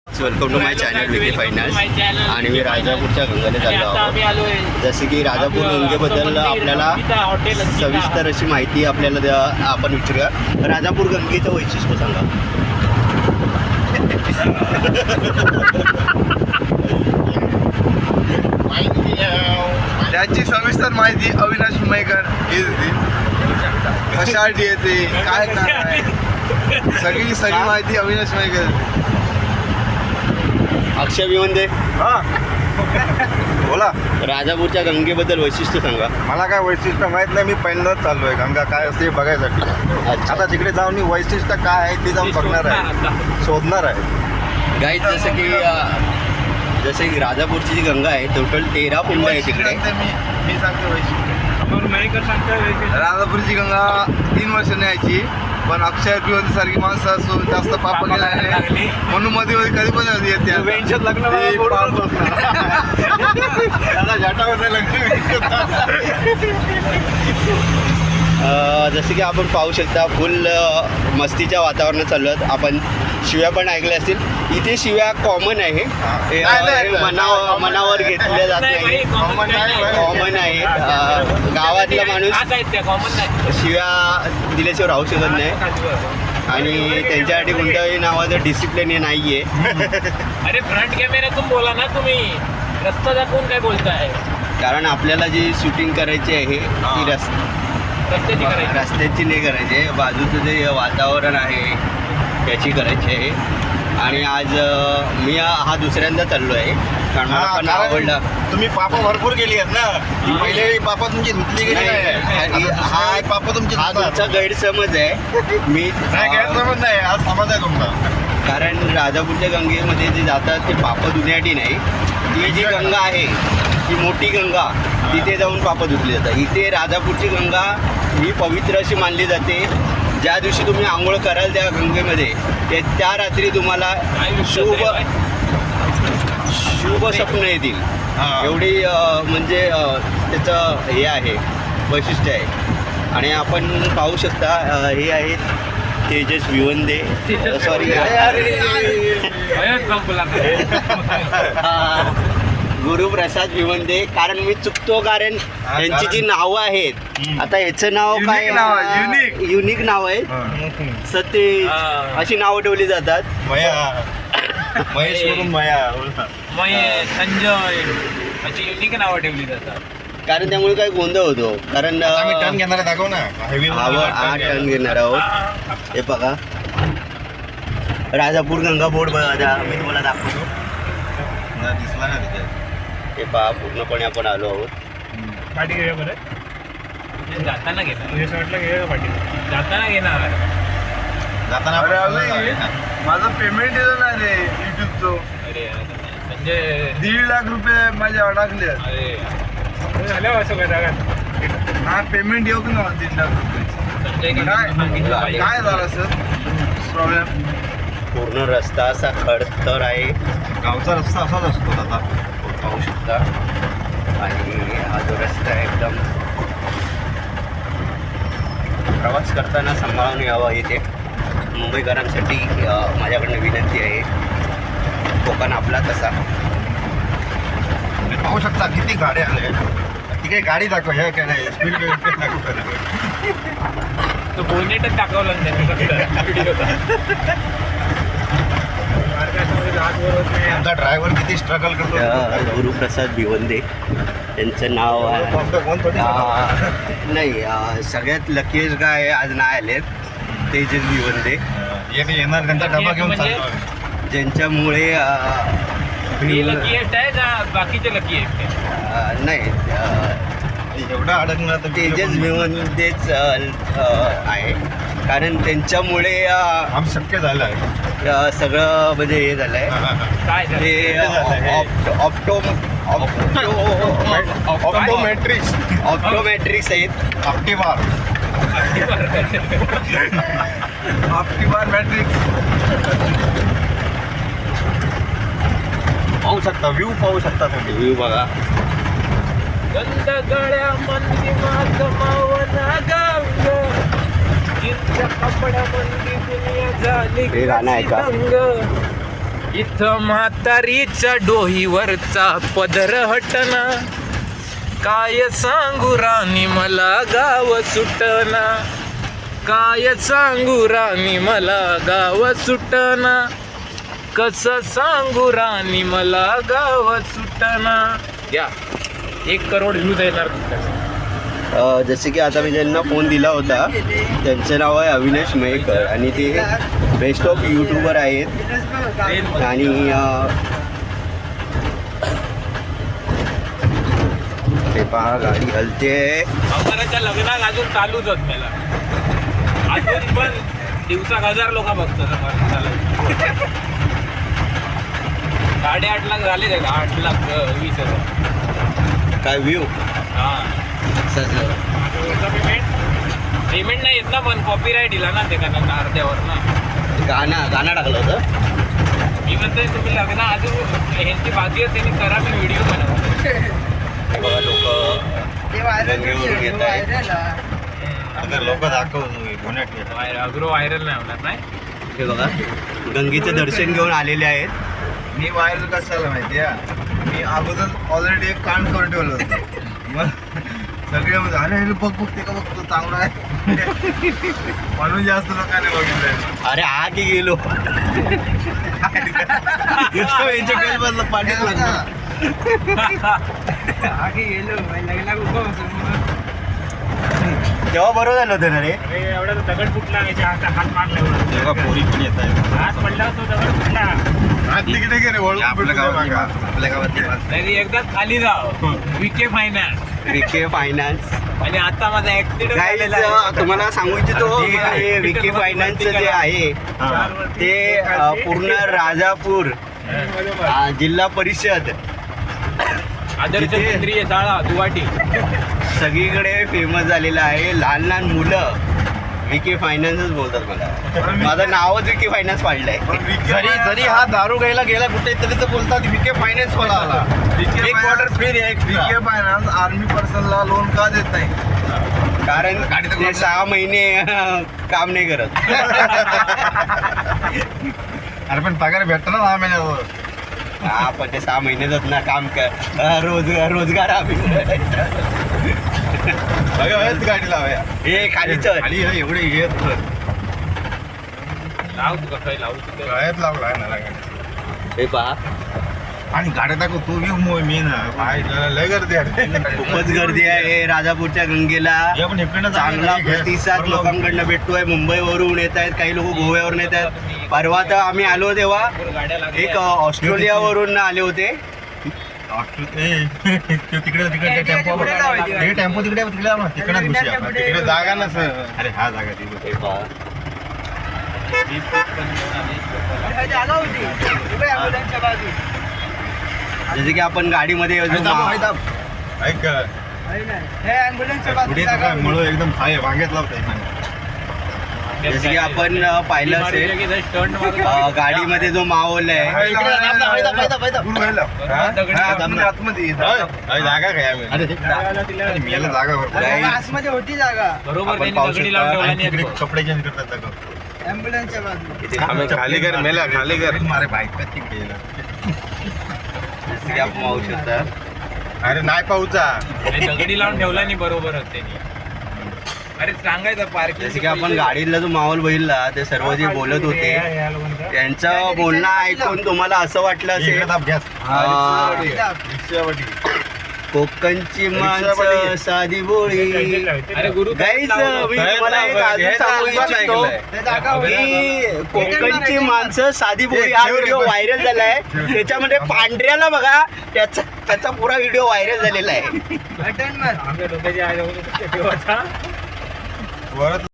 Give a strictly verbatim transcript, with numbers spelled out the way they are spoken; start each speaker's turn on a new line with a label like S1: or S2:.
S1: Welcome to my channel Vicky finance. आणि मी राजापूरच्या गंगेला चाललो आहोत. जसे की राजापूर गंगेबद्दल आपल्याला सविस्तर अशी माहिती आपल्याला द्या आपण विचारूया. राजापूर गंगेचं वैशिष्ट्य सांगा.
S2: त्याची सविस्तर माहिती अविनाश मयकर हे देतील. कशासाठी येते काय काय आहे सगळी सगळी माहिती अविनाश मयकर.
S1: अक्षय विवंदे,
S2: बोला.
S1: राजापूरच्या गंगेबद्दल वैशिष्ट्य सांगा.
S2: मला काय वैशिष्ट्य माहित नाही, मी पहिल्यांदाच चाललो आहे गंगा काय असते बघायसाठी.
S1: अच्छा.
S2: आता तिकडे जाऊन मी वैशिष्ट्य काय आहे ते जाऊन बघणार आहे, शोधणार आहे.
S1: गाईज जसं की जसे की राजापूरची जी गंगा आहे टोटल तेरा कुंड आहे तिकडे.
S2: मी मी सांगतो वैशिष्ट्य. राजापूरची गंगा तीन वर्षांनी यायची, पण अक्षय पिवंत सारखी माणसं असून जास्त पाप केल्याने म्हणून मध्ये मध्ये कधी पण येते.
S1: जसं की आपण पाहू शकता फुल मस्तीच्या वातावरणात चाललो आहोत. आपण शिव्या पण ऐकल्या असतील. इथे शिव्या कॉमन आहे, मनावर मनावर घेतल्या जात नाही, कॉमन आहे. गावातला माणूस शिव्या दिल्याशिवाय राहू शकत नाही. आणि त्यांच्यासाठी कोणत्याही नावाचं डिसिप्लिन हे नाही आहे.
S3: अरे फ्रंट कॅमेऱ्यातून बोला ना तुम्ही, रस्ता दाखवून काय बोलताय.
S1: कारण आपल्याला जी शूटिंग करायची आहे ती रस
S3: रस्त्याची करायची
S1: रस्त्याची नाही करायची आहे, बाजूचं जे वातावरण आहे त्याची करायची आहे. आणि आज मी हा दुसऱ्यांदा चाललो आहे कारण मला पण आवडला.
S2: तुम्ही पाप भरपूर केली आहेत ना, पहिले पाप तुमची धुतली गेली नाही. हा पाप तुमची
S1: हा तुमचा गैरसमज आहे. मी
S2: गैरसमज नाही, हा समज आहे तुमचा.
S1: कारण राजापूरच्या गंगेमध्ये जे जातात ते पाप धुण्यासाठी नाही. ती जी गंगा आहे ती मोठी गंगा, तिथे जाऊन पाप धुतली जातात. इथे राजापूरची गंगा ही पवित्र अशी मानली जाते. ज्या दिवशी तुम्ही आंघोळ कराल त्या गंगेमध्ये ते त्या रात्री तुम्हाला शुभ शुभ स्वप्न येतील. एवढी म्हणजे त्याचं हे आहे, वैशिष्ट्य आहे. आणि आपण पाहू शकता हे आहेत तेजस विवंदे, सॉरी गुरुप्रसाद विवंदे. कारण मी चुकतो कारण यांची जी नावं आहेत, आता याचं नाव काय
S2: युनिक
S1: युनिक नाव आहे. सतीश अशी नावं ठेवली जातात.
S2: महेश वरून मया
S3: महेश, संजय अशी युनिक नावं ठेवली जातात.
S1: कारण त्यामुळे काय गोंधळ होतो. कारण
S2: टर्न घेणार दाखव ना.
S1: हा टर्न घेणार आहोत. हे बघा राजापूर गंगा बोर्ड बघा, मी तुम्हाला दाखवतो.
S2: दिसला ना तिथे.
S1: हे पहा पूर्णपणे आपण आलो आहोत.
S3: पाठी घेऊया बरं, जाताना घेणार वाटलं घेऊया पाठी, जाताना घेणार
S2: जाताना माझं पेमेंट दिलं नाही रे युट्यूबचं.
S3: अरे संजय,
S2: दीड लाख रुपये माझ्या अडकले.
S3: अरे झाल्यावर असं काय जागा
S2: हा पेमेंट येऊ की ना दीड लाख रुपये.
S3: संजय
S2: काय झालं सर प्रॉब्लेम.
S1: पूर्ण रस्ता असा खडतर आहे.
S2: गावचा रस्ता असाच असतो आता
S1: पाहू शकता. आणि हा जो रस्ता आहे एकदम प्रवास करताना सांभाळून यावा. इथे मुंबईकरांसाठी माझ्याकडनं विनंती आहे. कोकण आपला तसा
S2: पाहू शकता किती गाड्या आल्या. ती काही गाडी दाखव हे काय नाही स्पीड दाखव.
S3: तो बोनेटच दाखवला
S2: आमचा ड्रायव्हर किती स्ट्रगल करतो.
S1: गुरुप्रसाद भिवंदे त्यांचं नाव नाही. सगळ्यात लकीएस्ट गाय आज नाही आलेत तेजस भिवंदे.
S2: येणार त्यांचा डबा घेऊन चालतो.
S1: ज्यांच्यामुळे
S3: लकीएस्ट आहे का बाकीचे लकीएस्ट
S1: नाही
S2: एवढा अडकणार तर
S1: तेजस भिवंदेच आहे. कारण त्यांच्यामुळे
S2: आम शक्य झालं आहे
S1: सगळं म्हणजे हे झालं आहे.
S3: काय
S1: ते ऑप्टो
S2: ऑप्टोमेट्रिक्स
S1: ऑप्टोमॅट्रिक्स आहेत.
S2: ऑप्टिबार ऑप्टिबार मॅट्रिक्स पाहू शकता. व्ह्यू पाहू शकता तुम्ही.
S1: व्ह्यू बघा.
S3: गंध गळ्या मंदी माझ मावना गाव, जिंच्या कपड्या मंदी दुनिया झाली
S1: हे गाणं आहे का?
S3: दंग.
S4: इथं म्हातारीच्या डोहीवरचा पदर हटना, काय सांगू राणी मला गाव सुटना, काय सांगू राणी मला गाव सुटना, कसं सांगू राणी मला गाव सुटना. या एक करोड व्ह्यूज येणार तुमच्या.
S1: अ, जसे की आता मी ज्यांना फोन दिला होता त्यांचं नाव आहे अविनाश मयेकर आणि ते बेस्ट ऑफ यूट्यूबर आहेत आणि अ, ते पहा गाडी हलते.
S4: अमराच्या लग्नात अजून चालूच होत मला अजून पण दिवसाक हजार लोक बघतात. साडेआठ लाख झाले ते आठ लाख वीस हजार.
S1: काय व्ह्यू
S4: हा पेमेंट पेमेंट नाही येत ना पण कॉपीराईट दिला ना ते कारण अर्ध्यावर ना.
S1: गाणं गाणं टाकलं होतं.
S4: मी म्हणतोय तुम्ही लग्न अजून ह्यांची बाजी आहे त्यांनी करा मी व्हिडिओ बनवतो.
S1: हे बघा लोक गंगेवरून येत आहेत.
S2: लोक दाखव
S4: अग्रो व्हायरल नाही होणार नाही.
S1: हे बघा गंगेचं दर्शन घेऊन आलेले आहेत.
S2: मी व्हायरल कशाला माहिती आहे, मी अगोदर ऑलरेडी एक कांड करून ठेवलं होतं. मग सगळे म्हणजे अरे हे बघ बघ ते का बघतो चांगला आहे म्हणून जास्त लोकांनी बघितलं.
S1: अरे हा की गेलो पाठी तेव्हा बरोबर झालं होतं ना रे.
S3: अरे एवढा तो दगड फुटला याच्या हात हात मारला एवढा.
S2: तेव्हा पोरी पण येत आहे.
S3: हात पडला तो दगड फुटला.
S2: हात तिकडे गेले वळून
S1: आपल्या गावात आपल्या गावात
S4: नाही एकदाच खाली जाव विके फायनान्स
S1: विके फायनान्स.
S4: आणि आता माझा ऍक्सिडेंट
S1: Guys,
S4: झालेला आहे.
S1: तुम्हाला सांगू इच्छितो हे विके फायनान्सचं जे आहे ते अ, पूर्ण राजापूर अ, जिल्हा परिषद
S4: आदर्श
S1: तिथे-
S4: केंद्रीय शाळा दुवाटी
S1: सगळीकडे फेमस झालेलं आहे. लहान लहान मुलं विके फायनान्सच बोलतात मला. माझं नावच विके फायनान्स पाडलंय.
S2: जरी जरी हा दारू घ्यायला गेला कुठे तरी तर बोलतात विके फायनान्स वाला आला. एक quarter free Vicky finance army पर्सनला लोन का देत नाही,
S1: कारण ते सहा महिने अ, काम नाही करत.
S2: अरे पण पगार भेटतो ना दहा महिन्यावर.
S1: हा पण ते सहा महिन्यातच ना काम कर अ, रोजगार रोजगार आम्ही
S2: गाडी लावूया
S1: हे खाली चल.
S2: खाली एवढे येत
S4: लाव तुका काही लावू तिथं.
S2: गळ्यात लावला ना
S1: हे पहा
S2: आणि गाड्या दाखव तू घेऊ मोय मी ना काय लय गर्दी आहे.
S1: खूपच गर्दी आहे राजापूरच्या गंगेला.
S2: आपण इकडनं
S1: चांगला प्रतिसाद लोकांकडनं भेटतोय. मुंबईवरून येत आहेत, काही लोक गोव्यावरून येत आहेत. परवा तर आम्ही आलो तेव्हा
S4: गाड्या लागल्या.
S1: एक ऑस्ट्रेलियावरून आले होते.
S2: तिकडे तिकडे टेम्पो हे टेम्पो तिकडे तिकडे लाव ना तिकडे घुसूया आपण. तिकडे जागा ना सर. अरे हा जागा ती
S1: हे पहा. जसे की आपण गाडीमध्ये जो मा-
S2: ऐक पुढे काय मळ एकदम खाय वांग्यात लावताय.
S1: जसे की आपण अ, पाहिलं असेल
S4: स्टंट
S1: अ, गाडीमध्ये जो माहोल आहे
S2: जागा काय मेला जागा भरपूर.
S5: होती जागा
S4: बरोबर
S1: आपण
S4: त्यांनी
S1: पाहू
S4: दगडी
S1: शकता.
S4: लावून ठेवला
S2: आणि
S4: नाही
S2: तिकडे
S4: तो.
S2: कपडे चेंज करतात जागा.
S5: ॲम्ब्युलन्सच्या बाजूला
S1: इथे
S2: खाली कर मेला खाली कर मारे बाईक तिकडे
S1: जसे की आपण पाहू शकता.
S2: अरे नाही पाहूचा
S4: आणि दगडी लावून ठेवला नाही बरोबरच त्यांनी. अरे सांगायचं पार्किंग.
S1: जसे की आपण गाडीतला जो माहोल बघितला ते सर्व जे बोलत होते त्यांचं बोलणं ऐकून तुम्हाला असं वाटलं असेल अ, कोकणची माणसं साधी बोळी.
S4: अरे गुरु
S1: गाईज मी तुम्हाला एक अजून सांगू इच्छितो की कोकणची माणसं साधी बोळी हा व्हिडिओ व्हायरल झालाय. त्याच्यामध्ये पांढऱ्याला बघा त्याचा त्याचा पुरा व्हिडिओ व्हायरल झालेला आहे.
S5: बटन मार
S3: आमच्या डोक्याची आहे जाऊन तेव्हाचा
S2: परत